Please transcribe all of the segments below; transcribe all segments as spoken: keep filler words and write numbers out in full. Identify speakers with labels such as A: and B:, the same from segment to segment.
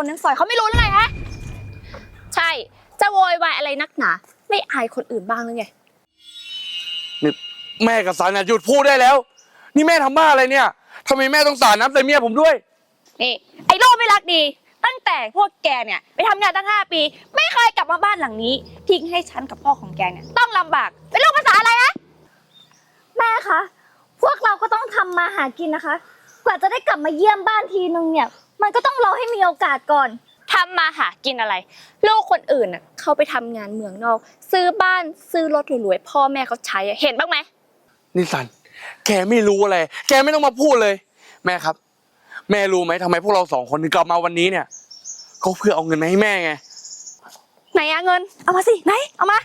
A: คนทั้งซอยเขาไม่รู้หรือไงฮะใช่จะโวยวายอะไรนักหนาไม่อายคนอื่นบ้างหรือไง
B: นี่แม่กับสารเนี่ยหยุดพูดได้แล้วนี่แม่ทำบ้าอะไรเนี่ยทำไมแม่ต้องสาดน้ำใส่เมียผมด้วย
A: นี่ไอ้โลกไม่รักดีตั้งแต่พวกแกเนี่ยไปทำงานตั้งห้าปีไม่เคยกลับมาบ้านหลังนี้ทิ้งให้ฉันกับพ่อของแกเนี่ยต้องลำบากเป็นโรคภาษาอะไรฮะ
C: แม่คะพวกเราก็ต้องทำมาหากินนะคะกว่าจะได้กลับมาเยี่ยมบ้านทีนึงเนี่ยมันก็ต้องรอให้มีโอกาสก่อน
A: ทำมาหากินอะไรลูกคนอื่นน่ะเขาไปทำงานเมืองนอกซื้อบ้านซื้อรถรวยๆพ่อแม่เขาใช้เห็นบ้างไหม
B: นี่สันแกไม่รู้อะไรแกไม่ต้องมาพูดเลยแม่ครับแม่รู้ไหมทำไมพวกเราสองคนถึงกลับมาวันนี้เนี่ยก็เพื่อเอาเงินมาให้แม่ไง
A: ไหนอะเงินเอามาสิไหนเอามา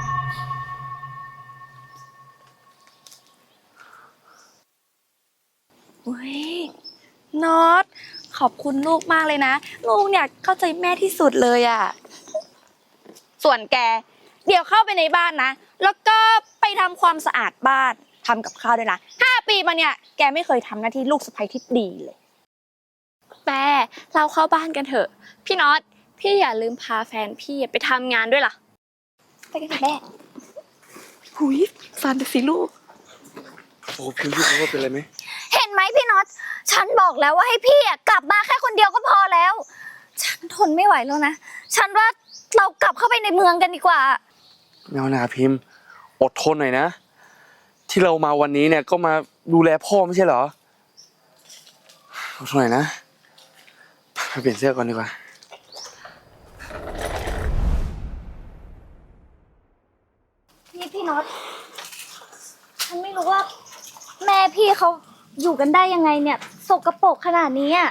A: อุ้ยน็อตขอบคุณลูกมากเลยนะลูกเนี่ยเข้าใจแม่ที่สุดเลยอะส่วนแกเดี๋ยวเข้าไปในบ้านนะแล้วก็ไปทำความสะอาดบ้านทำกับข้าวด้วยนะห้าปีมาเนี่ยแกไม่เคยทำหน้าที่ลูกสะใภ้ที่ดีเลยแต่เราเข้าบ้านกันเถอะพี่น็อตพี่อย่าลืมพาแฟนพี่ไปทำงานด้วยล่ะไปกันเถอะแม่หุยฟันไปสิลูก
B: โอ้พี่พี่เขาว่าเป็นอะไรไหม
C: เห็นไหมพี่น็อตฉันบอกแล้วว่าให้พี่อ่ะกลับมาแค่คนเดียวก็พอแล้วฉันทนไม่ไหวแล้วนะฉันว่าเรากลับเข้าไปในเมืองกันดีกว่า
B: แมวนาพิมพ์อดทนหน่อยนะที่เรามาวันนี้เนี่ยก็มาดูแลพ่อไม่ใช่เหรออดทนหน่อยนะไปเปลี่ยนเสื้อก่อนดีกว่า
C: นี่พี่น็อตฉันไม่รู้ว่าแม่พี่เขาอยู่กันได้ยังไงเนี่ยสกปรกขนาดนี้อ่ะ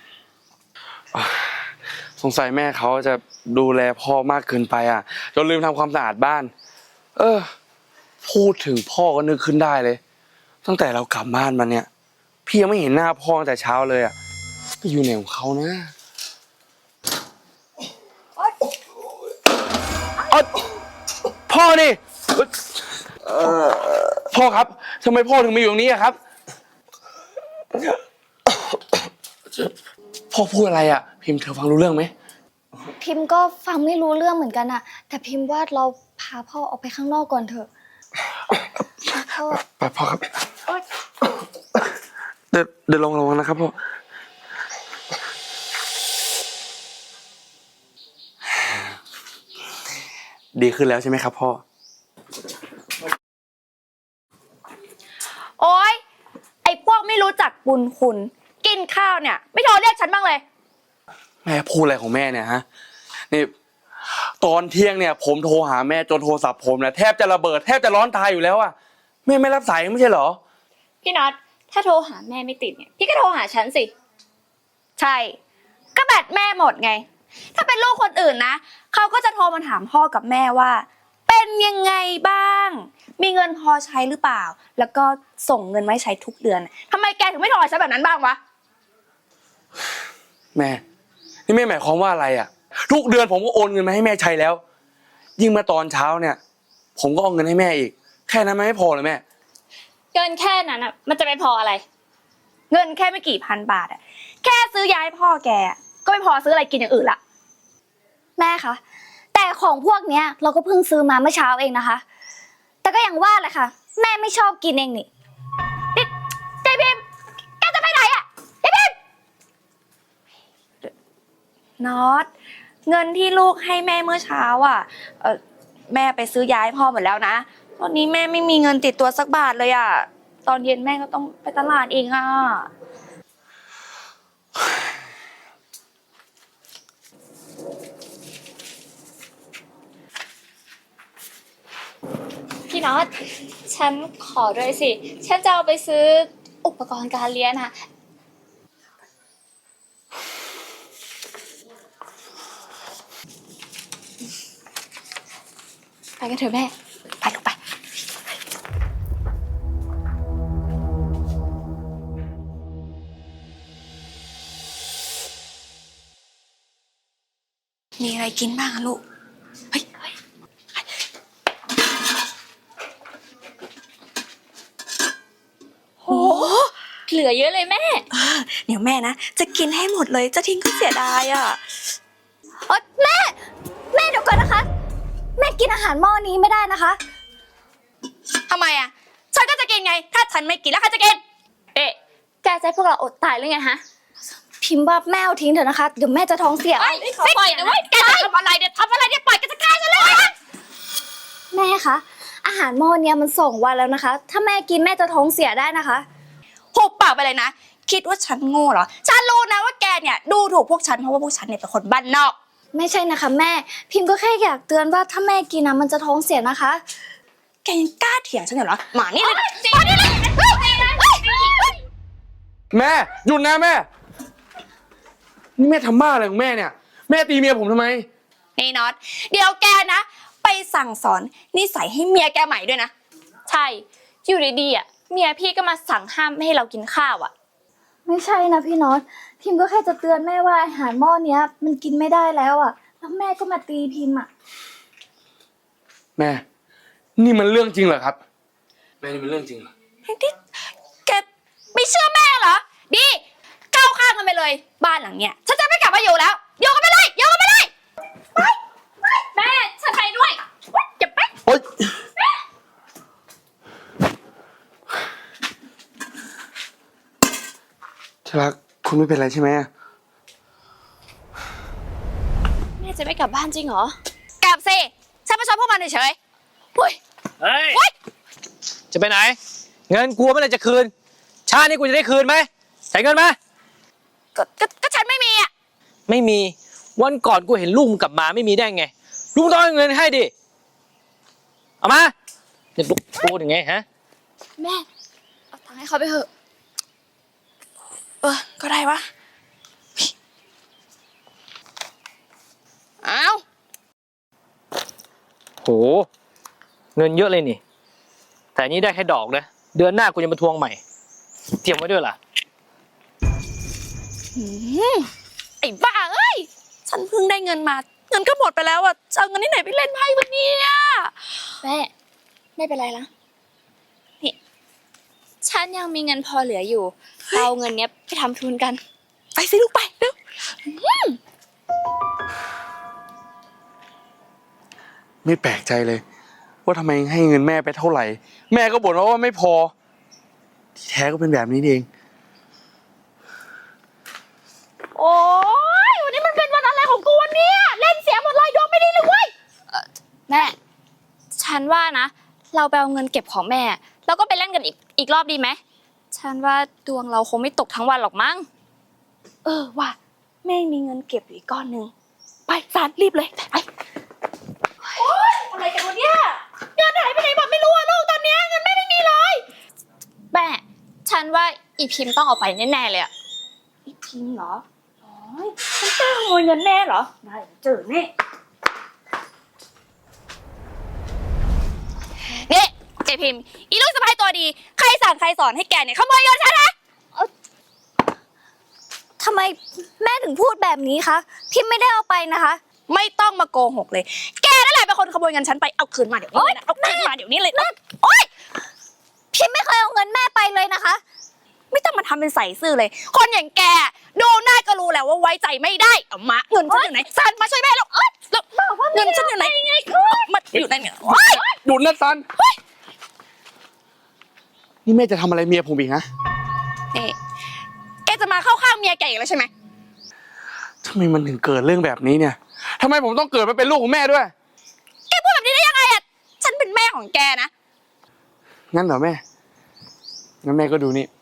B: สงสัยแม่เขาจะดูแลพ่อมากเกินไปอ่ะจนลืมทำความสะอาดบ้านเออพูดถึงพ่อก็นึกขึ้นได้เลยตั้งแต่เรากลับบ้านมาเนี่ยพี่ยังไม่เห็นหน้าพ่อตั้งแต่เช้าเลยอ่ะไปอยู่ไหนของเขานะเออพ่อนี่พ่อครับทำไมพ่อถึงมาอยู่ตรงนี้อะครับพ่อพูดอะไรอ่ะพิมพ์เธอฟังรู้เรื่องไหม
C: พิมพ์ก็ฟังไม่รู้เรื่องเหมือนกันอะแต่พิมพ์ว่าเราพาพ่อออกไปข้างนอกก่อนเถอะพ่อ
B: ไปพ่อครับเดี๋ยวเดี๋ยวลงระวังนะครับพ่อดีขึ้นแล้วใช่ไหมครับพ่อ
A: โอ๊ยไอ้พวกไม่รู้จักบุญคุณกินข้าวเนี่ยไม่โทรเรียกฉันบ้างเลย
B: แม่พูดอะไรของแม่เนี่ยฮะนี่ตอนเที่ยงเนี่ยผมโทรหาแม่จนโทรศัพท์ผมเนี่ยแทบจะระเบิดแทบจะร้อนตายอยู่แล้วอ่ะแม่ไม่รับสายไม่ใช่เหรอ
A: พี่น็อตถ้าโทรหาแม่ไม่ติดเนี่ยพี่ก็โทรหาฉันสิใช่ก็แบตแม่หมดไงถ้าเป็นลูกคนอื่นนะเขาก็จะโทรมาถามพ่อกับแม่ว่าเป็นยังไงบ้างมีเงินพอใช้หรือเปล่าแล้วก็ส่งเงินมาให้ใช้ทุกเดือนทำไมแกถึงไม่โทรหาฉันแบบนั้นบ้างวะ
B: แม่นี่แม่หมายความว่าอะไรอ่ะทุกเดือนผมก็โอนเงินมาให้แม่ใช้แล้วยิ่งมาตอนเช้าเนี่ยผมก็เอาเงินให้แม่อีกแค่นั้นมันไม่พอเลยแม่
A: เงินแค่นั้นอ่ะมันจะไปพออะไรเงินแค่ไม่กี่พันบาทอ่ะแค่ซื้อยาให้พ่อแกก็ไม่พอซื้ออะไรกินอย่างอื่นละ
C: แม่คะแต่ของพวกเนี้ยเราก็เพิ่งซื้อมาเมื่อเช้าเองนะคะแต่ก็อย่างว่าแหละค่ะแม่ไม่ชอบกินเองนี่
A: นี่เจพิมแกจะไปไหนอ่ะเจพิมน็อตเงินที่ลูกให้แม่เมื่อเช้าอ่ะเออแม่ไปซื้อยาให้พ่อหมดแล้วนะตอนนี้แม่ไม่มีเงินติดตัวสักบาทเลยอ่ะตอนเย็นแม่ก็ต้องไปตลาดเองอ่ะพี่น็อตฉันขอด้วยสิฉันจะเอาไปซื้ออุปกรณ์การเรียนอะไปกันเถอะแม่ไปลูกไปมีอะไรกินบ้างอะลูกเฮ้ยโหเหลือเยอะเลยแม่
D: เดี๋ยวแม่นะจะกินให้หมดเลยจะทิ้งก็เสียดายอ่ะ
C: นะคะ แม่กินอาหารหม้อนี้ไม่ได้นะคะ
A: ทำไมอ่ะ ฉันก็จะกินไง ถ้าฉันไม่กินแล้วใครจะกิน
C: เอ๊ะแกจะให้พวกเราอดตายหรือไงฮะ พิมพ์ว่าแม่เอาทิ้งเถอะนะคะ เดี๋ยวแม่จะท้องเสีย
A: ไม่ปล่อยนะเว้ย แกจะทำอะไรเนี่ยทำอะไรเนี่ยปล่อยแกจะฆ่าฉันเลย
C: แม่คะ อาหารหม้อเนี้ยมันสองวันแล้วนะคะ ถ้าแม่กินแม่จะท้องเสียได้นะคะ
A: หุบปากไปเลยนะ คิดว่าฉันโง่เหรอ ฉันรู้นะว่าแกเนี่ยดูถูกพวกฉันเพราะว่าพวกฉันเนี่ยเป็นคนบ้านนอก
C: ไม่ใช่นะคะแม่ พิมพ์ก็แค่อยากเตือนว่าถ้าแม่กินนะมันจะท้องเสียนะคะ
A: แกยังกล้าเถียงฉันเหรอหมานี่เลยมานี่เลย
B: แม่หยุดนะแม่นี่แม่ทำบ้าอะไรของแม่เนี่ย แม่ตีเมียผมทำไม
A: นี่น็อต เดี๋ยวแกนะ ไปสั่งสอนนิสัยให้เมียแกใหม่ด้วยนะ
D: ใช่ อยู่ดีๆอ่ะเมียพี่ก็มาสั่งห้ามไม่ให้เรากินข้าวอ่ะ
C: ไม่ใช่นะพี่น็อต พิมพ์ก็แค่จะเตือนแม่ว่าอาหารหม้อเนี้ย มันกินไม่ได้แล้วอ่ะ แล้วแม่ก็มาตีพิมพ์อ่ะ
B: แม่ นี่มันเรื่องจริงเหรอครับ แม่นี่มันเรื่องจริงเหรอ
A: ที่แกไม่เชื่อแม่เหรอ ดีก้าวข้ามกันไปเลย บ้านหลังเนี้ยฉันจะไม่กลับมาอยู่แล้วโยกกันไปเลยโยกกันไปเลยไปไปแม่ฉันไปด้วยอย่าไป
B: โอ๊ยที่รักคุณไม่เป็นไรใช่ไหม
D: แม่จะไม่กลับบ้านจริงเหรอ
A: กลับสิฉันไม่ชอบพวกมันเฉยๆอุ้ย
E: เฮ้ย
A: อุ้ย
E: จะไปไหน เงินกูเมื่อไหร่จะคืน ชาตินี้กูจะได้คืนไหมใส่เงินมา
A: ก็ก็ก็ฉันไม่มีอ่ะ
E: ไม่มี วันก่อนกูเห็นลุงกลับมาไม่มีได้ไง ลุงต้องเอาเงินให้ดิ เอามาจะลุกพูดยังไงฮะ
D: แม่เอาตังค์ให้เขาไปเถอะ
A: เออก็ได้วะอ้าว
E: โห เงินเยอะเลยนี่ แต่อันนี้ได้แค่ดอกนะ เดือนหน้ากูจะมาทวงใหม่ เตรียมไว้ด้วยล่ะ
A: หืมไอ้บ้าเอ้ยฉันเพิ่งได้เงินมา เงินก็หมดไปแล้วอ่ะจะเอาเงินที่ไหนไปเล่นไพ่วันนี้
D: แม่ไม่เป็นไรนะนี่ฉันยังมีเงินพอเหลืออยู่เราเอาเงินเนี้ยไปทำทุนกัน
A: ไปสิลูกไปเร็ว
B: ไม่แปลกใจเลย ว่าทำไมให้เงินแม่ไปเท่าไหร่ แม่ก็บ่นว่าไม่พอ ที่แท้ก็เป็นแบบนี้เอง
A: โอ้ยวันนี้มันเป็นวันอะไรของกูวันนี้เล่นเสียหมดเลยดวงไม่ดีเลยเว้ย
D: แม่ ฉันว่านะ เราไปเอาเงินเก็บของแม่ แล้วก็ไปเล่นกันอีกอีกรอบดีไหม ฉันว่าดวงเราคงไม่ตกทั้งวันหรอกมั้ง
A: เออว่ะแม่มีเงินเก็บอยู่อีกก้อนหนึ่งไปสารรีบเลยไปโอ๊ยอะไรกันวะเนี่ยเงินหายไปไหนหมดไม่รู้อะลูกตอนเนี้ยเงินแม่ไม่มีเลย
D: แม่ ฉันว่าอีพิมพ์ต้องเอาไปแน่ๆเลยอะ
A: อีพิมพ์เหรอโอ้ยฉันกล้าขโมยเงินแม่เหรอได้เจอแน่นี่เจพิมพ์อีลูกสะใภ้ตัวดีใครสั่งใครสอนให้แกเนี่ยขโมยเงินฉันนะ
C: ทำไมแม่ถึงพูดแบบนี้คะ พิมพ์ไม่ได้เอาไปนะคะ
A: ไม่ต้องมาโกหกเลย แกนั่นแหละเป็นคนขโมยเงินฉันไป เอาคืนมาเดี๋ยวนี้เลยนะเอาคืนมาเดี๋ยวนี้เลยนะโอ๊ย
C: พิมพ์ไม่เคยเอาเงินแม่ไปเลยนะคะ
A: ไม่ต้องมาทำเป็นใส่ซื่อเลย คนอย่างแกดูหน้าก็รู้แล้วว่าไว้ใจไม่ได้ เอามาเงินฉันอยู่ไหนซันมาช่วยแม่แล้วเอ้ยแล้วเงินฉันอยู่ไหนไงมาอยู่ไหนเนี่ยโอ๊ย
B: หยุดนะซัน นี่แม่จะทำอะไรเมียผมอีกนะ
A: นี่แกจะมาเข้าข้างเมียแกอีกแล้วใช่ไหม
B: ทำไมมันถึงเกิดเรื่องแบบนี้เนี่ยทำไมผมต้องเกิดมาเป็นลูกของแม่ด้วย
A: แกพูดแบบนี้ได้ยังไงอ่ะ ฉันเป็นแม่ของแกนะ
B: งั้นเหรอแม่ งั้นแม่ก็ดูนี่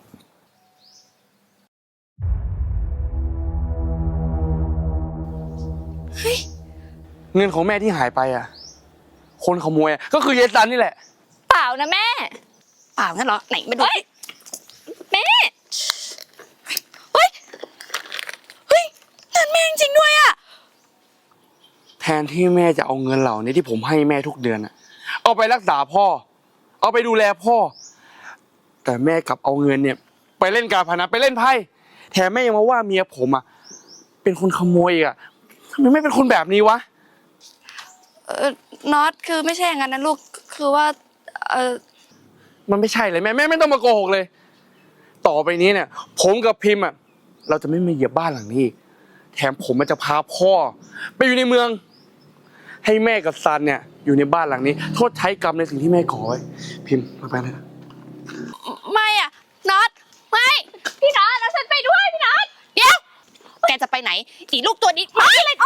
A: เฮ้ย
B: เงินของแม่ที่หายไปอ่ะ คนขโมยอ่ะก็คือเยซันนี่แหละ
D: เปล่านะแม่
A: เปล่างั้นเหรอ ไหนมาดูสิ
D: แม่
A: เฮ้ย เฮ้ยเงินแม่จริงๆด้วยอ่ะ
B: แทนที่แม่จะเอาเงินเหล่านี้ที่ผมให้แม่ทุกเดือนอ่ะ เอาไปรักษาพ่อ เอาไปดูแลพ่อ แต่แม่กลับเอาเงินเนี่ย ไปเล่นการพนันไปเล่นไพ่ แถมแม่ยังมาว่าเมียผมอ่ะ เป็นคนขโมยอ่ะทำไมไม่เป็นคนแบบนี้วะ
A: เออน็อตคือไม่ใช่อย่างนั้นนะลูก คือว่า เออ
B: มันไม่ใช่เลยแม่แม่ไม่ต้องมาโกหกเลย ต่อไปนี้เนี่ย ผมกับพิมพ์อ่ะเราจะไม่มาเหยียบบ้านหลังนี้อีกแถมผมมันจะพาพ่อ ไปอยู่ในเมืองให้แม่กับซันเนี่ยอยู่ในบ้านหลังนี้โทษใช้กรรมในสิ่งที่แม่ก่อไว้พิมพ์ไปๆนะ
A: ไม่อะน็อตไม่ พี่น็อตแล้วฉันไปด้วยพี่น็อตเดี๋ยว แกจะไปไหนอีลูกตัวนี้มาเลย